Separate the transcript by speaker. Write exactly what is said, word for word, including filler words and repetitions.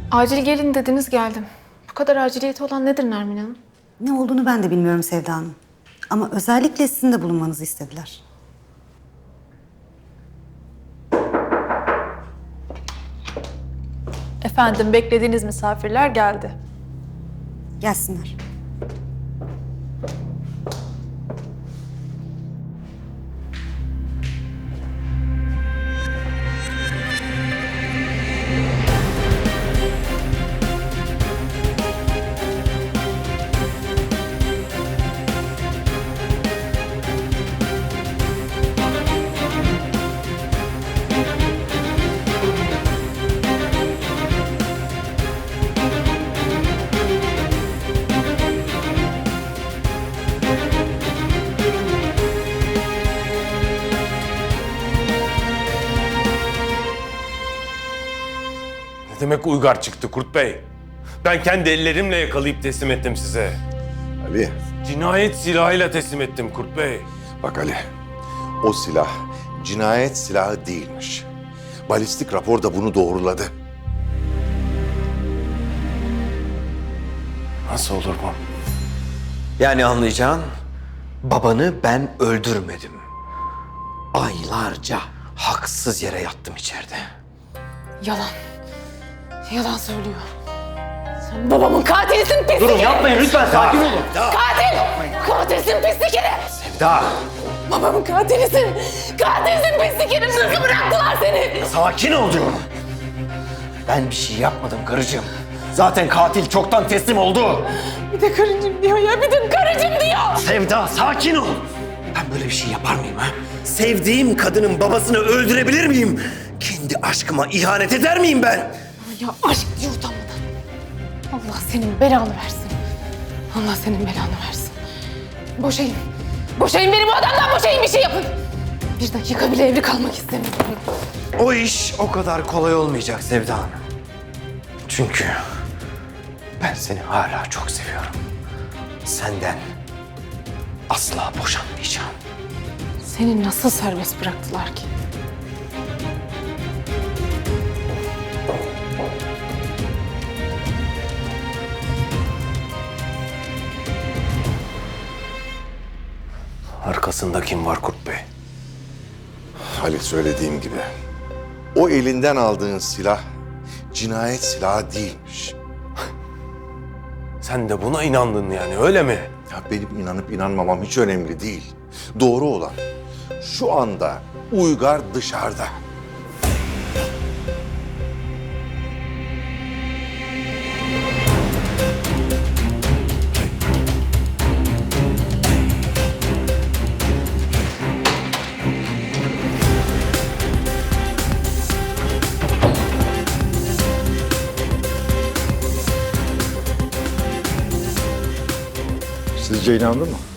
Speaker 1: Acil gelin dediniz, geldim. Bu kadar aciliyeti olan nedir Nermin Hanım?
Speaker 2: Ne olduğunu ben de bilmiyorum Sevda Hanım. Ama özellikle sizin de bulunmanızı istediler.
Speaker 3: Efendim, beklediğiniz misafirler geldi.
Speaker 2: Gelsinler.
Speaker 4: Ne demek uygar çıktı Kurt Bey? Ben kendi ellerimle yakalayıp teslim ettim size.
Speaker 5: Ali,
Speaker 4: Cinayet silahıyla teslim ettim Kurt Bey.
Speaker 5: bak Ali. O silah cinayet silahı değilmiş. Balistik rapor da bunu doğruladı.
Speaker 4: Nasıl olur bu?
Speaker 6: Yani anlayacağın, babanı ben öldürmedim. Aylarca haksız yere yattım içeride.
Speaker 1: Yalan. Yalan söylüyor. Sen babamın katilisin, pislik
Speaker 6: Durun
Speaker 1: herif!
Speaker 6: yapmayın lütfen, sakin olun.
Speaker 1: Katil! Katilsin, pislik herif!
Speaker 6: Sevda,
Speaker 1: Babamın katilisin! Katilsin, pislik herif! Nasıl bıraktılar seni?
Speaker 6: sakin ol diyorum. Ben bir şey yapmadım karıcığım. Zaten katil çoktan teslim oldu.
Speaker 1: Bir de karıcığım diyor ya, bir de karıcığım diyor!
Speaker 6: Sevda, sakin ol. Ben böyle bir şey yapar mıyım ha? Sevdiğim kadının babasını öldürebilir miyim? Kendi aşkıma ihanet eder miyim ben?
Speaker 1: Ya aşk diye utanmadan. Allah senin belanı versin. Allah senin belanı versin. Boşayın. Boşayın beni bu adamdan, boşayın, bir şey yapın. Bir dakika bile evli kalmak istemiyorum.
Speaker 6: O iş o kadar kolay olmayacak Sevda Hanım. Çünkü ben seni hala çok seviyorum. Senden asla boşanmayacağım.
Speaker 1: Seni nasıl serbest bıraktılar ki?
Speaker 4: Arkasında kim var Kurt Bey?
Speaker 5: Ali, söylediğim gibi. O elinden aldığın silah cinayet silahı değilmiş.
Speaker 4: Sen de buna inandın yani, öyle mi?
Speaker 5: Ya benim inanıp inanmamam hiç önemli değil. Doğru olan şu anda Uygar dışarıda.
Speaker 7: Sizce inandın mı?